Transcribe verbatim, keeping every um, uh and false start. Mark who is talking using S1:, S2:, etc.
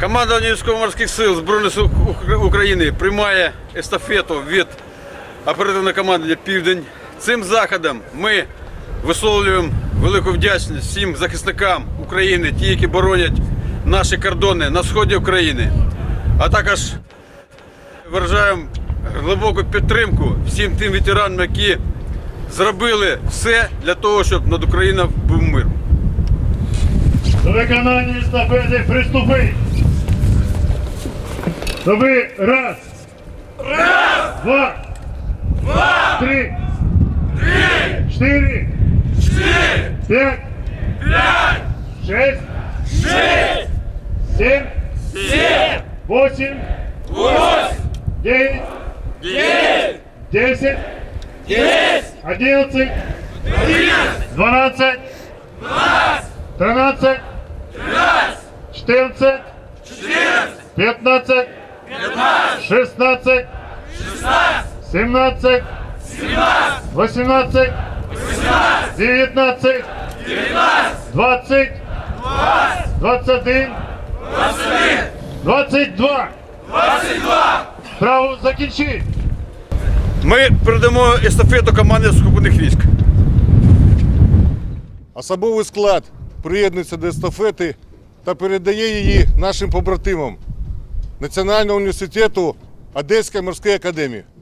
S1: Командування військово-морських сил Збройних сил України приймає естафету від оперативного командування «Південь». Цим заходом ми висловлюємо велику вдячність всім захисникам України, ті, які боронять наші кордони на сході України, а також виражаємо глибоку підтримку всім тим ветеранам, які зробили все для того, щоб над Україною був мир.
S2: До виконання естафети приступи. Тобі раз. Раз. Два. Два. Три. Три. Чотири. Чотири. П'ять. П'ять. Шесть. Шесть. Сім. Сім. Восемь. Восемь. Дев'ять. Дев'ять. Десять. Десять. Одинадцять. Одинадцять. Дванадцять. Дванадцять. Тринадцять. Тринадцять. Чотирнадцять. Чотирнадцять. П'ятнадцять. П'ятнадцять. Шістнадцять. Шістнадцять. Сімнадцять. Сімнадцять. Вісімнадцять. Вісімнадцять. Дев'ятнадцять. Дев'ятнадцять. Двадцять. Двадцять. Двадцять один. Двадцять один. Двадцять два. Двадцять два. Право закінчити.
S1: Ми передамо естафету команді сухопутних військ.
S3: Особовий склад приєднується до естафети та передає її нашим побратимам Національного університету Одеської морської академії.